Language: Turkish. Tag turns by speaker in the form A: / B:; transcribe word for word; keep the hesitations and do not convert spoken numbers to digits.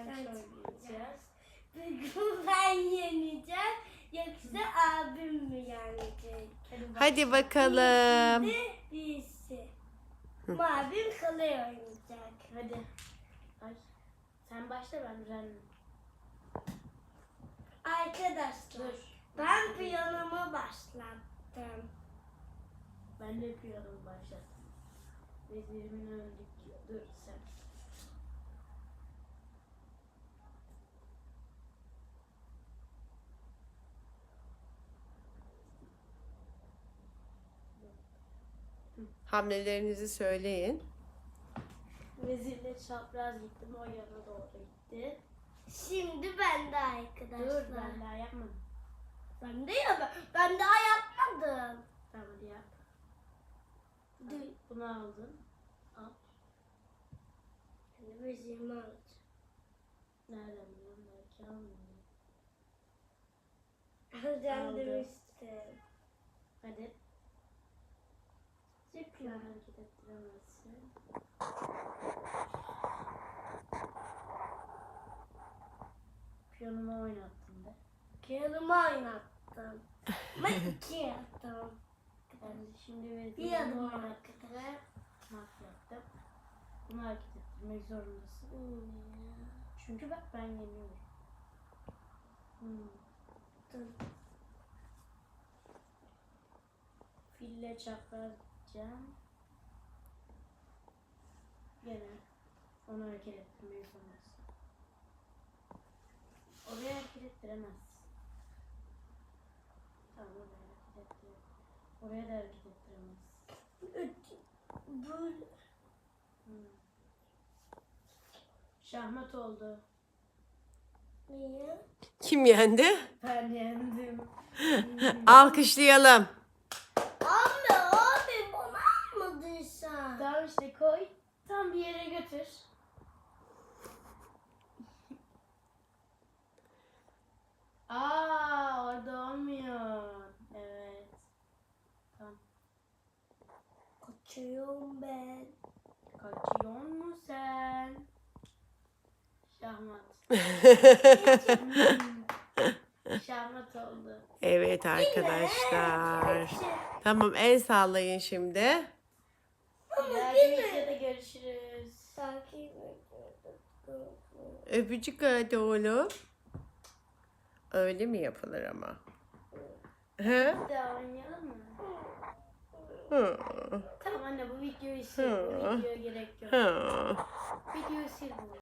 A: söyleyeceğiz.
B: Bugün ben yeneceğim. Yoksa abim mi yenecek?
C: Hadi bakalım.
B: Birisi, birisi. Ama abim kolay oynayacak.
A: Hadi. Ay. Sen başla, ben düzenleyeyim.
B: Arkadaşlar
A: Dur.
B: ben piyanomu başlattım.
A: Ben de yapıyorum, başlattım. Vezirimin öldük. Dur sen.
C: Hamlelerinizi söyleyin.
A: Vezirle çapraz gittim, o yana doğru gitti.
B: Şimdi ben de arkadaşlar.
A: Dur, ben daha yapmadım.
B: Ben de ya ben daha yapmadım.
A: Tamam, hadi yap.
B: Dur.
A: Bunu aldın. Al.
B: Şimdi vezirimi alacağım.
A: Nereden biliyorum? Belki almıyorum.
B: Alacağım
A: Aldım.
B: demiştim.
A: Hadi.
B: Zıpla.
A: Hareket ettiremezsin. Piyonumu oynattım da.
B: Piyonumu oynattım. Ben iki yaptım.
A: Ben şimdi vezirimi
B: Bir adım
A: oynattım ve mat yaptım. Bunu hareket ettirmek zorundasın.
B: Hmm.
A: Çünkü bak, ben yeniyorum. Hmm.
B: Dur.
A: Fille çapraz gideceğim. Gene onu hareket ettirmeyi zorundasın. Oraya hareket ettiremezsin. Tamam, oraya hareket ettir. Oraya da hareket ettiremezsin.
B: Böyle.
A: Hmm. Şahmat oldu.
B: Niye?
C: Kim yendi?
A: Ben yendim.
C: Alkışlayalım.
B: Abi abi bana almadın sen.
A: Tamam işte, koy. Tam bir yere götür. Aa, orada olmuyor. Evet. Tamam.
B: Kaçıyorum ben.
A: Kaçıyor mu sen? Şahmat. Şahmat oldu.
C: Evet arkadaşlar. Tamam, el sallayın şimdi.
A: Diğer videoda görüşürüz.
B: Takip ediyorum.
C: Öpücük hadi oğlum. Öyle mi yapılır ama? Hı?
A: Bir daha oynayalım mı?
C: Hı.
A: Tamam anne, bu videoyu sil. Bu
C: Hı.
A: videoya gerek yok.
C: Hı.
A: Videoyu sil bu.